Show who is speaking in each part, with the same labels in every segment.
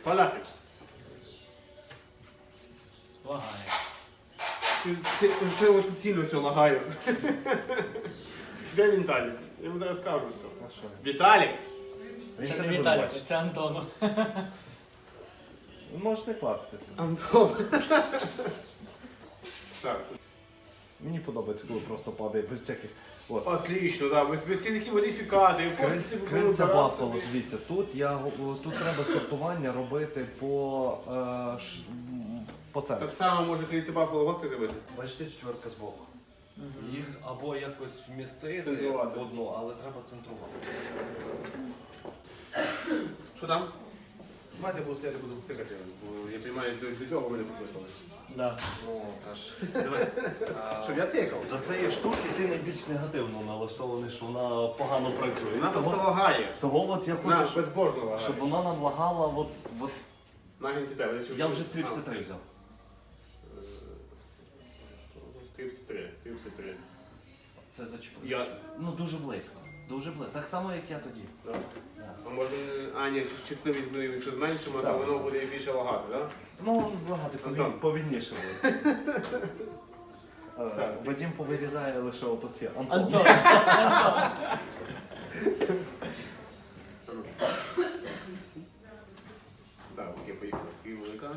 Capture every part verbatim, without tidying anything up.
Speaker 1: Фалафель.
Speaker 2: Лагає.
Speaker 1: Ти, ти, ти ось сильно все лагає. Де Віталік? Я йому зараз скажу все. Віталік!
Speaker 2: Це
Speaker 3: Він це
Speaker 2: не
Speaker 3: не
Speaker 2: Віталік,
Speaker 3: бачить.
Speaker 2: це Антону.
Speaker 3: Ви можете кластися.
Speaker 1: Антон. Так.
Speaker 3: Мені подобається, коли просто падає без всяких. От.
Speaker 1: Отлично, да. Без, без всіх такі модифікати.
Speaker 3: Кринця, кринця Баффало, дивіться, тут я го- тут треба сортування робити по, е, ш, м, по центру.
Speaker 1: Так само може крізь Баффало гости зробити.
Speaker 3: Бачите, четверка збоку. Їх або якось вмістити
Speaker 1: Центрувати.
Speaker 3: в одну, але треба центрувати.
Speaker 1: Що там? Давайте буду стояти, буду тикати. Бо я розумію, що до цього ви не покликали.
Speaker 2: Да.
Speaker 3: Ну, теж. Дивись. а,
Speaker 1: Щоб я тикав.
Speaker 3: До цієї штуки ти найбільш негативно налаштований, що вона погано працює.
Speaker 1: Вона просто
Speaker 3: Того,
Speaker 1: лагає.
Speaker 3: того от я
Speaker 1: Вона
Speaker 3: хочу, щоб,
Speaker 1: безбожно лагає.
Speaker 3: щоб вона нам лагала, от, от
Speaker 1: Нагін тебе.
Speaker 3: я вже стріпси три взяв.
Speaker 1: Стріпси три. Стріпси три.
Speaker 3: Це зачепив.
Speaker 1: Я-
Speaker 3: Ну дуже близько. Дуже близько. Так само, як я тоді.
Speaker 1: Так. А може, а ні, чутливість буде, якщо зменшимо, то
Speaker 3: Так.
Speaker 1: воно буде більше лагати, так?
Speaker 3: Ну, багато
Speaker 1: Антон.
Speaker 3: повіль- повільніше буде. Е,
Speaker 1: Так.
Speaker 3: Вадим повирізає лише отут ці. Антон.
Speaker 2: Антон.
Speaker 1: Так, окей, поїхали. Фігурка.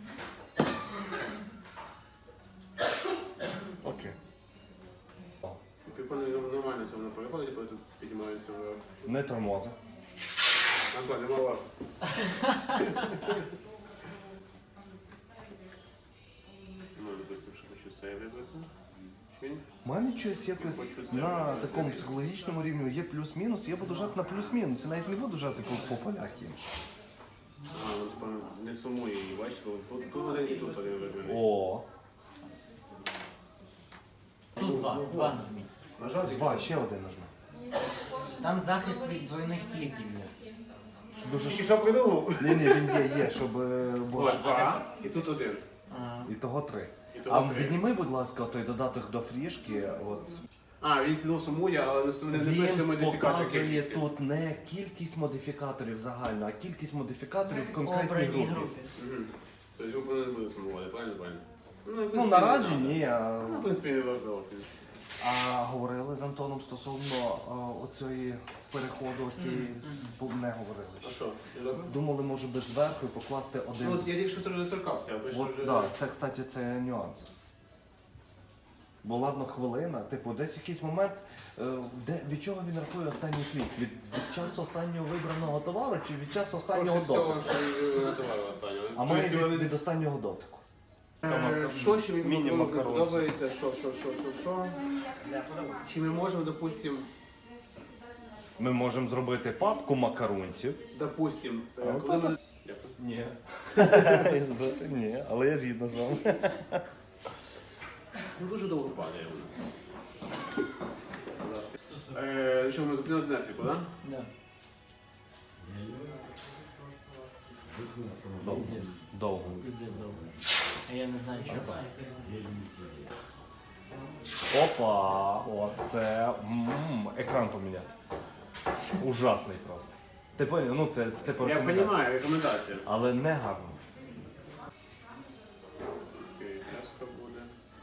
Speaker 3: Окей.
Speaker 1: Прикольно, нормально це воно переходить, коли тут піднімається вверх.
Speaker 3: Не тормози.
Speaker 1: Антон, нема лав. Ну, допустим, що хочу це вибрати. Чи ні?
Speaker 3: У мене щось якось на такому психологічному рівні є плюс-мінус, я буду жати на плюс-мінус. Я навіть не буду жати по, по поляки.
Speaker 1: А, ну, типа, не сумує її, бачиш, бо тут, тут один і тут один вибраний.
Speaker 3: О,
Speaker 2: Тут два. Два нажміть.
Speaker 1: Нажати?
Speaker 3: два, ще один нажми.
Speaker 2: Там захист від двойних кліків є.
Speaker 3: Дуже
Speaker 1: Тільки
Speaker 3: ш...
Speaker 1: що придумав?
Speaker 3: Ні, ні, він є, є, щоб е, було.
Speaker 1: Ось, два, і тут один.
Speaker 2: Ага.
Speaker 3: І того три.
Speaker 1: І того
Speaker 3: А
Speaker 1: три.
Speaker 3: відніми, будь ласка, той додаток до фрішки. От.
Speaker 1: А, він ціну сумує, але не, не пише
Speaker 3: Він
Speaker 1: модифікацію
Speaker 3: показує
Speaker 1: кількості.
Speaker 3: тут не кількість модифікаторів загально, а кількість модифікаторів в конкретній
Speaker 2: Обраній
Speaker 3: групі.
Speaker 2: групі.
Speaker 1: Мгм. Тобто він не буде сумувати, правильно, правильно? Ну, в
Speaker 3: Ну
Speaker 1: принципі,
Speaker 3: наразі
Speaker 1: не надо.
Speaker 3: ні. А,
Speaker 1: Ну, в принципі, не важливо.
Speaker 3: а говорили з Антоном стосовно а, оцієї переходу, оцієї бо не говорили.
Speaker 1: А
Speaker 3: ще.
Speaker 1: що? Не добре?
Speaker 3: Думали, може би зверху і покласти
Speaker 1: Ну,
Speaker 3: один.
Speaker 1: от я тільки що трохи торкався, а ви що
Speaker 3: От,
Speaker 1: вже...
Speaker 3: да, це, кстати, це нюанс. Бо ладно, хвилина, типу, десь якийсь момент, е, де, від чого він рахує останній клік? Від, від часу останнього вибраного товару чи від часу останнього
Speaker 1: Скоріше всього,
Speaker 3: дотику?
Speaker 1: що і на товару останнього.
Speaker 3: А має
Speaker 1: Тобто,
Speaker 3: від, від останнього дотику.
Speaker 1: Е, Що ще мені
Speaker 3: Міні-макаронці.
Speaker 1: подобається? Що, що, що, що, що? Чи ми можемо, допустим,
Speaker 3: Ми можемо зробити папку макарунців.
Speaker 1: допустим, е,
Speaker 3: А,
Speaker 1: коли
Speaker 3: та-
Speaker 1: ми...
Speaker 3: Ні. Ні, але я згідно з вами.
Speaker 1: Ну, дуже довго падає воно. Е, Що, ми зупинилися на світло, так?
Speaker 2: Да.
Speaker 3: Довго. Довго.
Speaker 2: Пиздець довго. А я не знаю, чого.
Speaker 3: Опа! Оце. м, Екран поміняти. Ужасний просто. Ти поняв? Ну, це, це типу
Speaker 1: Я
Speaker 3: рекомендація.
Speaker 1: розумію, рекомендація.
Speaker 3: Але не гарно.
Speaker 1: Окей, часто буде.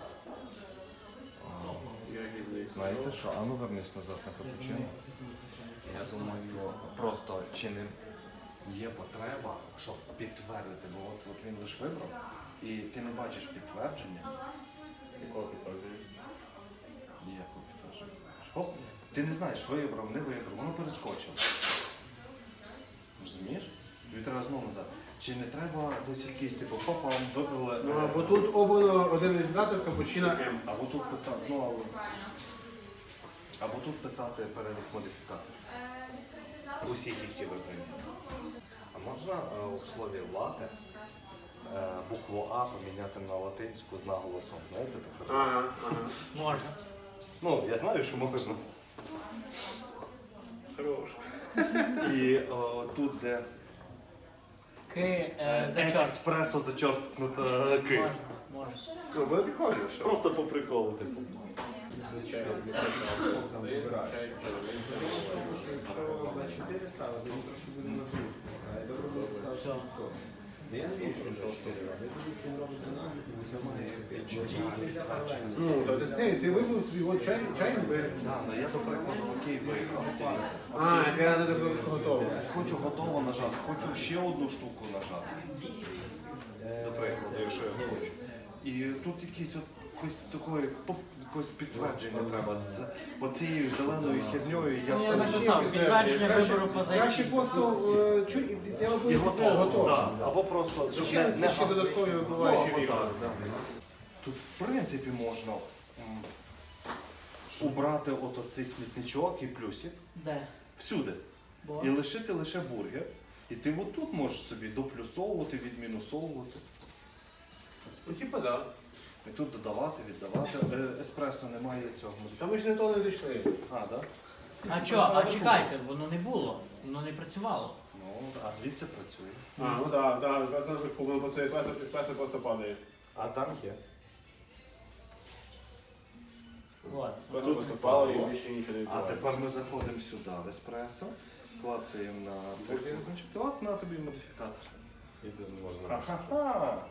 Speaker 1: Ягідний
Speaker 3: Знаєте
Speaker 1: сироп.
Speaker 3: що? А ну вернись назад на капучино. Я думаю, просто чи не є потреба, щоб підтвердити, бо от, от він лише вибрав, і ти не бачиш підтвердження.
Speaker 1: Якого підтвердження?
Speaker 3: Ніякого підтвердження. Оп, ти не знаєш, вибрав, не вибрав, воно перескочило. Розумієш? Тобі треба знову назад. Чи не треба десь якийсь типу хопа, вибрали.
Speaker 1: Ну, або тут обрано один індикатор капучино М.
Speaker 3: Або тут писати, ну або. Або тут писати перелік модифікаторів. Усіх, які вибрані. А можна е, у слові лате е, букву А поміняти на латинську з наголосом? Знаєте таке?
Speaker 1: Ага, ага.
Speaker 2: Можна.
Speaker 3: Ну, я знаю, що можна.
Speaker 1: Хорош.
Speaker 3: І о, тут, де
Speaker 2: Ки е, зачорт.
Speaker 3: експресо зачорткнута ки.
Speaker 2: Можна, можна.
Speaker 1: Ну, буде прикольно, що?
Speaker 3: Просто по приколу, типу.
Speaker 1: Чай, чай,
Speaker 4: Якщо на чотири ставити, він трошки буде нагрузка.
Speaker 2: Все.
Speaker 1: Я не вірю, що чотири робить. Я думаю, що він робить дванадцять, і все має п'ять. Ну, то ти це, ти вибив свій от чай, чай бери.
Speaker 3: Так, ну я, до прикладу, окей виграв.
Speaker 1: А, я треба до кнопочку готово.
Speaker 3: Хочу готово нажати, хочу ще одну штуку нажати. До прикладу, якщо я хочу. І тут якийсь от якось такої поп- якось підтвердження треба з оцією зеленою херньою.
Speaker 2: Ну, я
Speaker 3: Я
Speaker 2: написав, підтвердження
Speaker 1: Краще-
Speaker 2: вибору
Speaker 1: Краще
Speaker 2: позиції.
Speaker 1: просто е, чуть, я
Speaker 3: і
Speaker 1: робив
Speaker 3: готово.
Speaker 1: готово.
Speaker 3: Да. Або просто щоб
Speaker 1: Ще,
Speaker 3: не, не
Speaker 1: ще додаткові вбиваючі
Speaker 3: Ну, або
Speaker 1: вішки.
Speaker 3: так, да. Тут в принципі можна м, убрати от оцей смітничок і плюсик
Speaker 2: Де?
Speaker 3: всюди.
Speaker 2: Бо?
Speaker 3: І лишити лише бургер. І ти отут можеш собі доплюсовувати, відмінусовувати.
Speaker 1: Ну, типа, да.
Speaker 3: І тут додавати, віддавати. Е, Еспресо немає цього.
Speaker 1: Та ми ж не то не дійшли.
Speaker 3: А, так? Да?
Speaker 2: А що, а чекайте, воно не було, воно не працювало.
Speaker 3: Ну, а звідси працює.
Speaker 1: А, ну так, так, воно просто еспресо, еспресо просто падає.
Speaker 3: А там є.
Speaker 2: Вот.
Speaker 1: Просто просто падало і більше нічого не
Speaker 3: А
Speaker 1: відбувається.
Speaker 3: тепер ми заходимо сюди в еспресо, клацаємо на бургер, і от на тобі модифікатор. Ха-ха-ха!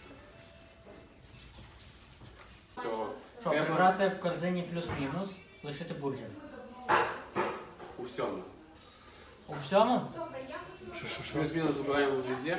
Speaker 1: Цього.
Speaker 2: Що,
Speaker 1: Треба
Speaker 2: прибрати в корзині плюс-мінус, лишити бургер.
Speaker 1: у всьому.
Speaker 2: У всьому?
Speaker 1: Плюс-мінус убираємо везде.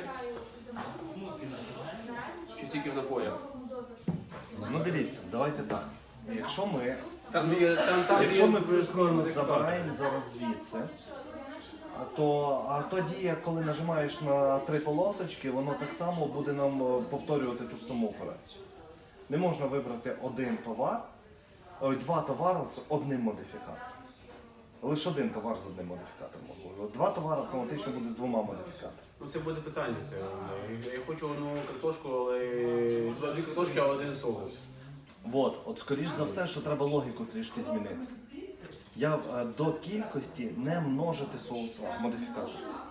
Speaker 1: Чи тільки в напоях?
Speaker 3: Ну дивіться, давайте так. Якщо ми,
Speaker 1: Там, де- там, там,
Speaker 3: якщо
Speaker 1: де-
Speaker 3: ми плюс-мінус забираємо зараз звідси, то а тоді, коли нажимаєш на три полосочки, воно так само буде нам е, повторювати ту ж саму операцію. Не можна вибрати один товар, ой, два товари з одним модифікатором. Лише один товар з одним модифікатором можна. Два товари автоматично буде з двома модифікаторами.
Speaker 1: Ну це буде питання. Це. Я хочу одну картошку, але дві картошки, а один соус.
Speaker 3: От, от скоріш за все, що треба логіку трішки змінити. Я е, до кількості не множити соус модифікатор.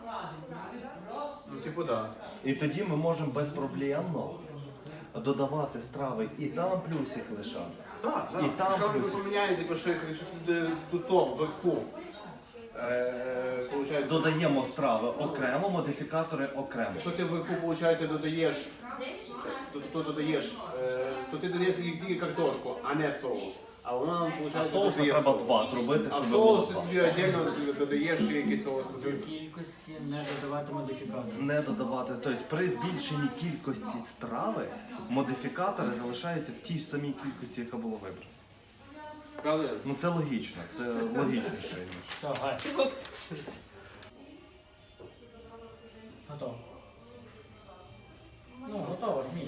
Speaker 1: Ну, типу, так.
Speaker 3: І тоді ми можемо безпроблемно додавати страви і там плюсик лишати.
Speaker 1: Так,
Speaker 3: І там
Speaker 1: Що ви
Speaker 3: плюс.
Speaker 1: поміняєте, якщо якщо тут, е, тут топ, вверху. Е, получається,
Speaker 3: Додаємо страви окремо, модифікатори окремо.
Speaker 1: Якщо ти вверху, виходить, додаєш, то, то, додаєш, е, то ти додаєш тільки картошку, а не соус. А воно нам,
Speaker 3: А
Speaker 1: виходить,
Speaker 3: соуса
Speaker 1: додає
Speaker 3: треба
Speaker 1: соус.
Speaker 3: два зробити,
Speaker 1: А
Speaker 3: щоб
Speaker 1: соус
Speaker 3: було
Speaker 1: ти
Speaker 3: два.
Speaker 1: собі віддільно додаєш ще якийсь соус.
Speaker 2: В кількості не додавати модифікатор.
Speaker 3: Не додавати. Тобто при збільшенні кількості страви модифікатори залишаються в тій ж самій кількості, яка була вибрана.
Speaker 1: Правда?
Speaker 3: Ну це логічно, це логічніше ніж.
Speaker 2: Все, гай. Готово. Ну, готово ж мій.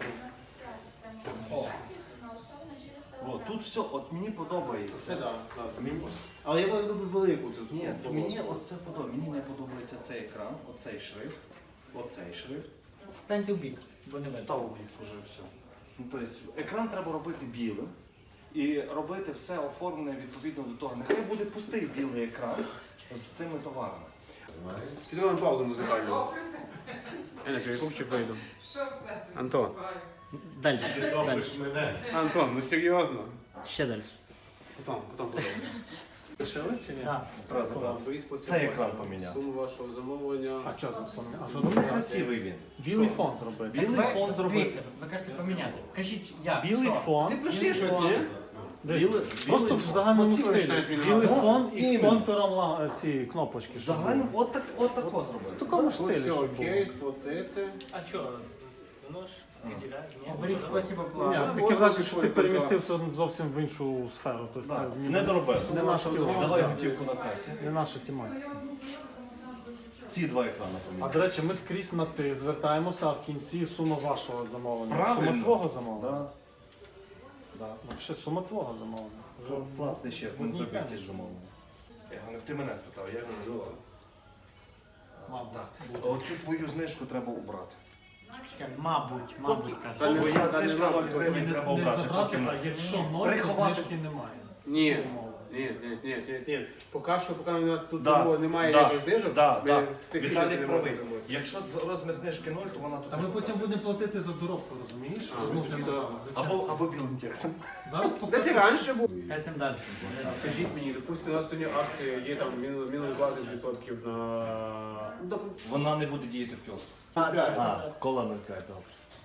Speaker 2: О,
Speaker 3: О, тут все, от мені
Speaker 1: Це
Speaker 3: подобається.
Speaker 1: так, так.
Speaker 3: Мені,
Speaker 1: Але я люблю велику тут.
Speaker 3: ні,
Speaker 1: ну,
Speaker 3: мені
Speaker 1: полоску.
Speaker 3: оце подобається. Мені не подобається цей екран, оцей шрифт, оцей шрифт.
Speaker 2: станьте в бік, бо не видно.
Speaker 3: Став у бік уже все. Ну, тобто, екран треба робити білим і робити все оформлене відповідно до того. Нехай буде пустий білий екран з цими товарами.
Speaker 1: Чи зробимо паузу музикальну? Я на перекупчик вийду. Антон.
Speaker 2: Далі. Далі.
Speaker 1: Антон, ну серйозно?
Speaker 2: Ще далі.
Speaker 1: Потом, потом, потом. Лишили чи ні?
Speaker 2: Так.
Speaker 3: Раз, раз. Цей екран поміняв.
Speaker 1: Суму вашого замовлення.
Speaker 4: А що це вспомнив? А що
Speaker 3: Ну,
Speaker 4: думаєте?
Speaker 3: красивий він.
Speaker 4: Білий фон зробити.
Speaker 3: Білий
Speaker 2: Ви-
Speaker 3: фон зробити.
Speaker 2: Дивіться, ви кажете поміняти. Кажіть, як?
Speaker 4: Білий
Speaker 2: що?
Speaker 4: фон.
Speaker 1: Ти пиши щось, ні?
Speaker 4: Десь
Speaker 3: Білий-
Speaker 4: Просто
Speaker 3: білий
Speaker 4: в
Speaker 3: фон.
Speaker 4: загальному
Speaker 1: Красиво
Speaker 4: стилі.
Speaker 1: починаєш
Speaker 4: Білий
Speaker 1: міняти.
Speaker 4: фон і з
Speaker 3: Іменно.
Speaker 4: контуром ла- ці кнопочки. щоб
Speaker 3: Загально,
Speaker 4: були.
Speaker 3: от, так, от тако
Speaker 4: В
Speaker 3: зробити.
Speaker 4: такому ж
Speaker 1: Ось
Speaker 4: стилі,
Speaker 1: все,
Speaker 4: щоб було.
Speaker 1: окей, сплатити.
Speaker 2: А що? Воно ж виділяє. Оберіть спосіб
Speaker 4: Ні,
Speaker 2: оплати.
Speaker 1: Ну,
Speaker 4: таке
Speaker 1: от
Speaker 4: враження,
Speaker 1: ось
Speaker 4: що
Speaker 1: свій
Speaker 4: ти
Speaker 1: контракт.
Speaker 4: перемістився зовсім в іншу сферу. Тобто
Speaker 3: Да,
Speaker 4: це
Speaker 3: не доробив.
Speaker 4: не наша
Speaker 1: Давай.
Speaker 3: Давай готівку на касі.
Speaker 4: не наша тематика.
Speaker 3: Ці два екрани
Speaker 4: А
Speaker 3: поміняв.
Speaker 4: до речі, ми скрізь на ти звертаємося, а в кінці сума вашого замовлення.
Speaker 3: Правильно.
Speaker 4: Сума твого замовлення.
Speaker 3: Да.
Speaker 4: Да. Ну, ще сума твого замовлення. Вже
Speaker 3: Вже платний ще,
Speaker 4: в одній
Speaker 3: він тобі
Speaker 4: темі.
Speaker 3: якісь замовлення. Я говорю, ти мене спитав, я його не звертав.
Speaker 4: Мабуть.
Speaker 3: Так. Оцю твою знижку треба убрати.
Speaker 2: Чекай, Мабуть, мабуть,
Speaker 1: Та
Speaker 2: каже.
Speaker 1: не-
Speaker 3: Твоя
Speaker 1: та не
Speaker 3: знижка
Speaker 1: мабуть,
Speaker 3: ноль
Speaker 1: то
Speaker 3: гривень
Speaker 4: Не,
Speaker 3: треба
Speaker 4: не
Speaker 3: убрати.
Speaker 4: забрати,
Speaker 3: Потім
Speaker 4: а якщо ноль, то
Speaker 3: приховати.
Speaker 4: знижки немає.
Speaker 1: Ні, ні, ні, ні, ні, ні. Поки що, поки у нас тут
Speaker 3: Да,
Speaker 1: цього немає
Speaker 3: да,
Speaker 1: ніяких знижок,
Speaker 3: да,
Speaker 1: ми
Speaker 3: да.
Speaker 1: з тих
Speaker 3: Віталій
Speaker 1: не
Speaker 3: правий.
Speaker 1: можемо зробити.
Speaker 3: Якщо з- розмір знижки ноль, то вона тут.
Speaker 4: Та ми потім будемо платити за доробку, розумієш?
Speaker 1: А,
Speaker 4: Знову
Speaker 1: ну,
Speaker 4: ти
Speaker 1: да.
Speaker 4: назад. Зачем?
Speaker 3: Або, або білим текстом.
Speaker 4: Зараз
Speaker 1: Де ти
Speaker 4: покажу.
Speaker 1: раніше був?
Speaker 2: Йдемо далі.
Speaker 1: Скажіть мені, допустимо, у нас сьогодні акція є там мінус мінус двадцять відсотків на... Ну, доп-
Speaker 3: Вона не буде діяти в кіоску.
Speaker 1: А, да.
Speaker 3: А, кола нуль п'ять, добре.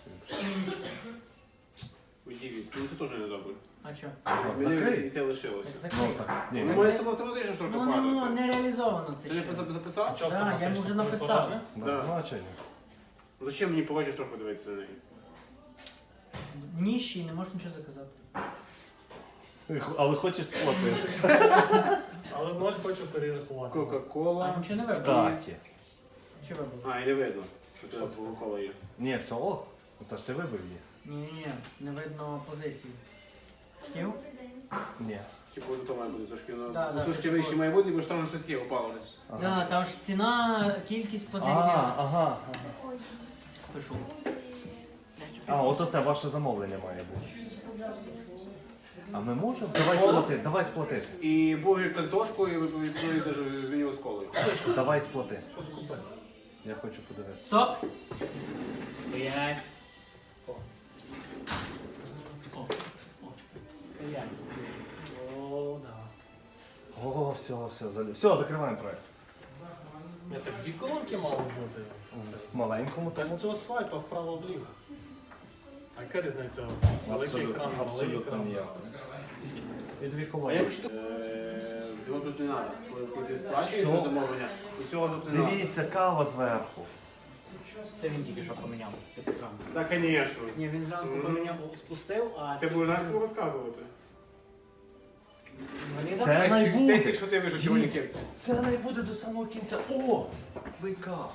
Speaker 1: Удивіться, ну це теж не добре.
Speaker 2: А що?
Speaker 1: Мені
Speaker 3: Закрий.
Speaker 1: це лишилося.
Speaker 2: Так
Speaker 3: Ну
Speaker 2: закрий.
Speaker 3: так. Ні,
Speaker 1: Ну,
Speaker 3: ні.
Speaker 1: моє автоматично ж трохи
Speaker 2: Ну, не, ну,
Speaker 1: падає.
Speaker 2: не реалізовано це
Speaker 1: Ти не
Speaker 2: ще.
Speaker 1: запис- записав?
Speaker 4: Чого
Speaker 2: Да, я
Speaker 4: автоматично?
Speaker 2: вже написав.
Speaker 3: Да,
Speaker 1: Да.
Speaker 3: Ну, а чого ні?
Speaker 1: Ну, зачем мені погодиш трохи дивитися на неї?
Speaker 2: Ніщий, не можеш нічого заказати.
Speaker 3: Але хочеш сплатити.
Speaker 4: Але ноль хочу перерахувати.
Speaker 2: А
Speaker 1: Кока-кола.
Speaker 2: нічого не вибрав.
Speaker 3: Кстати.
Speaker 2: Чи вибрав?
Speaker 1: А, і не видно, що
Speaker 4: Що
Speaker 1: це
Speaker 4: це?
Speaker 1: Кока-кола є.
Speaker 3: Ні, все ок. Та ж ти вибив її.
Speaker 2: Ні-ні-ні, не видно позиції. Шків?
Speaker 3: Ні.
Speaker 1: Типу, то має бути трошки, ну,
Speaker 2: Да, да,
Speaker 1: трошки
Speaker 2: це
Speaker 1: вище
Speaker 2: було.
Speaker 1: має бути, бо ж там щось є, упало десь.
Speaker 3: Ага.
Speaker 2: Да, там ж ціна, кількість позицій.
Speaker 3: А, ага.
Speaker 2: Пишу.
Speaker 3: А, от оце ваше замовлення має бути. А ми можемо? Давай сплати, давай сплати.
Speaker 1: І бургер картошку, і ви відповідаєте з меню з колою.
Speaker 3: Давай сплати.
Speaker 4: Що скупити?
Speaker 3: Я хочу подивитися.
Speaker 2: Стоп! Стоять. О. О. О. Стоять.
Speaker 4: О, да.
Speaker 3: О, все, все, залі- все, закриваємо проект.
Speaker 4: Ні, так дві колонки мало бути.
Speaker 3: В маленькому
Speaker 4: Без
Speaker 3: тому.
Speaker 4: цього свайпа вправо-вліво. А яка різниця? Великий
Speaker 3: Абсолютно,
Speaker 4: екран, малий
Speaker 3: абсолютно
Speaker 4: екран.
Speaker 3: ніяк. І дві
Speaker 1: А
Speaker 3: колонки.
Speaker 1: як що? Його тут не треба. Коли ти сплачуєш
Speaker 3: Все.
Speaker 1: замовлення, усього тут не треба.
Speaker 3: Дивіться, кава зверху.
Speaker 2: Це він тільки що поміняв. Це зранку.
Speaker 1: Так, звісно.
Speaker 2: Ні, він зранку
Speaker 1: Мгм.
Speaker 2: поміняв, спустив, а...
Speaker 1: Це буде знаєш, кому розказувати.
Speaker 2: Інваліда?
Speaker 3: Це найбуде.
Speaker 1: Ти, якщо ти вийшов сьогодні кепці.
Speaker 3: Це не буде до самого кінця. О! Вейкап.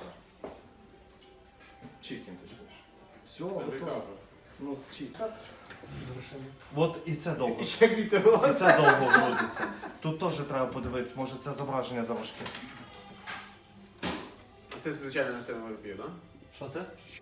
Speaker 3: Чікін точніше. Все,
Speaker 1: Це
Speaker 3: готово.
Speaker 1: прикольно.
Speaker 3: Ну, чікін.
Speaker 4: Зрушення.
Speaker 3: От і це довго.
Speaker 1: І ще як від
Speaker 3: І
Speaker 1: цього.
Speaker 3: це довго грузиться. Тут теж треба подивитися, може це зображення заважке.
Speaker 1: Це звичайно на сцену так?
Speaker 4: Що це?